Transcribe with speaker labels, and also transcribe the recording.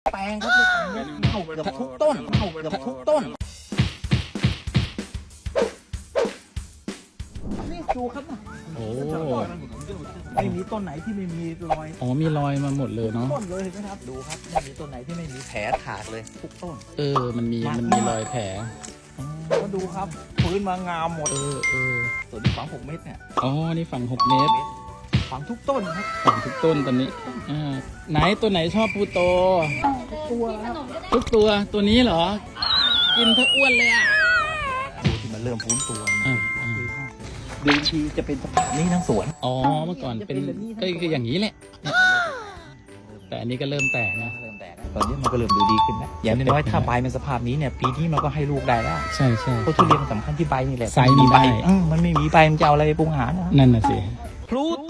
Speaker 1: แปลงครับเน่าเกือบทุกต้นนี่ดูครับ
Speaker 2: โอ้
Speaker 1: ไม่มีต้นไหนที่ไม่มีรอย
Speaker 2: อ๋อมีรอยมาหมดเลยเนาะ
Speaker 1: ต้นเลยนะครับดูครับไม่มีต้นไหนที่ไม่มีแผลถากเลยทุกต้น
Speaker 2: มันมีรอยแผล
Speaker 1: ก็ดูครับพื้นมางามหมดส่วนที่ฝัง6 เมตรเนี่ย
Speaker 2: อ๋อนี่ฝั่ง6 เมตร
Speaker 1: ฝังทุกต้นครับ
Speaker 2: ฝั่งทุกต้นตอนนี้ไหนตัวไหนชอบพูโต
Speaker 1: ตัวครับ
Speaker 2: ทุกตัวนี้เหรอ กินทั้งอ้วนเลยอ่ะ
Speaker 1: ดูที่มันเริ่มฟื้นตัว
Speaker 2: อ่า
Speaker 1: เดิมทีจะเป็นสภาพนี้ทั้งสวน
Speaker 2: อ๋อเมื่อก่อนเป็นก็คืออย่างนี้แหละแต่อันนี้ก็เริ่มแตกนะ
Speaker 1: เริ่มแตกตอนนี้มันก็เริ่มดูดีขึ้นนะอย่างน้อยๆถ้าใบมันสภาพนี้เนี่ยปีนี้มันก็ให้ลูกได้แล้ว
Speaker 2: ใช่
Speaker 1: เพราะทุเรียนมันสำคัญที่ใบนี่แหละ
Speaker 2: ไซส์มันได้
Speaker 1: มันไม่มีใบมันจะเอาอะไรไปปรุงอาหารนะ
Speaker 2: นั่นน่ะสิ
Speaker 1: พลู